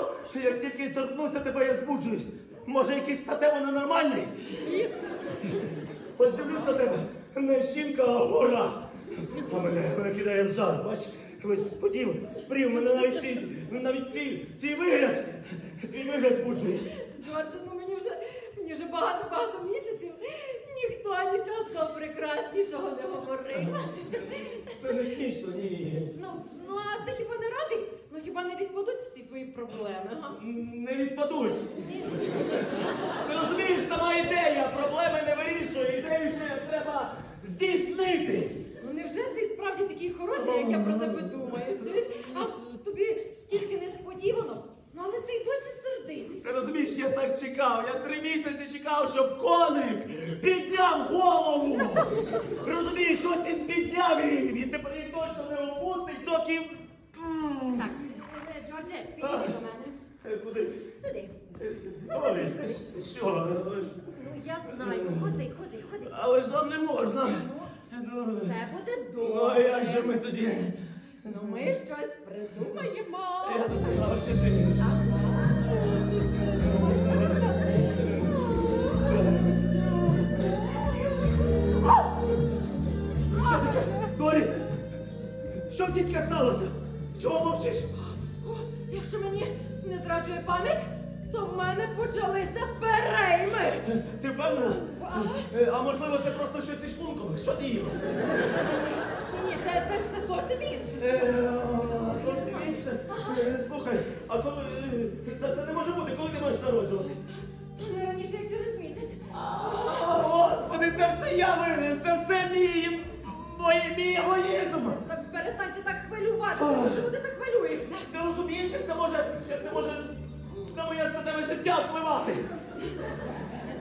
Як тільки торкнуся тебе, я збуджуюсь. Може, якийсь статево ненормальний? Ось дивлюсь на тебе. Не жінка, а гора. А мене кидає в жар, бач? Ось спрів, мене навіть твій вигляд збуджує. Джордже, ну мені вже багато місяців ніхто нічого такого прекраснішого не говорив. Це не смішно, ні. Ну, а ти хіба не радий? Ну хіба не відпадуть всі твої проблеми, га? Не відпадуть. Ти розумієш, сама ідея проблеми не вирішує. Ідею ще треба здійснити. Ну невже ти справді такий хороший, як я про тебе думаю? Чуєш? А тобі стільки несподівано, ну але ти й досі сердитий. Ти розумієш, я так чекав. Я 3 місяці чекав, щоб коник підняв голову. Розумієш, ось він підняв і він тепер їх точно не опустить, доки... Так, Джордже, підійди до мене. Куди? Сюди. Орись, що? Ну я знаю, ходи. Але ж нам не можна. Ну, все буде Ну, добре. а як же ми тоді? Ну ми щось придумаємо. Я знав, що ти. Що таке? Доріс! Що, дідька, сталося? Чого мовчиш? О, якщо мені не зраджує пам'ять, то в мене почалися перейми. Ти впевнена? А можливо, це просто щось із шлунком? Що ти їла? Ні, це зовсім інше. Зовсім інше. Слухай, а коли... Це не може бути, коли ти маєш народжувати? То не раніше, як через місяць. Господи, це все я винен, це все мій егоїзм. Так перестаньте так хвилюватися. Чому ти так хвилюєшся? Ти розумієш, як це може на моє статеве життя впливати?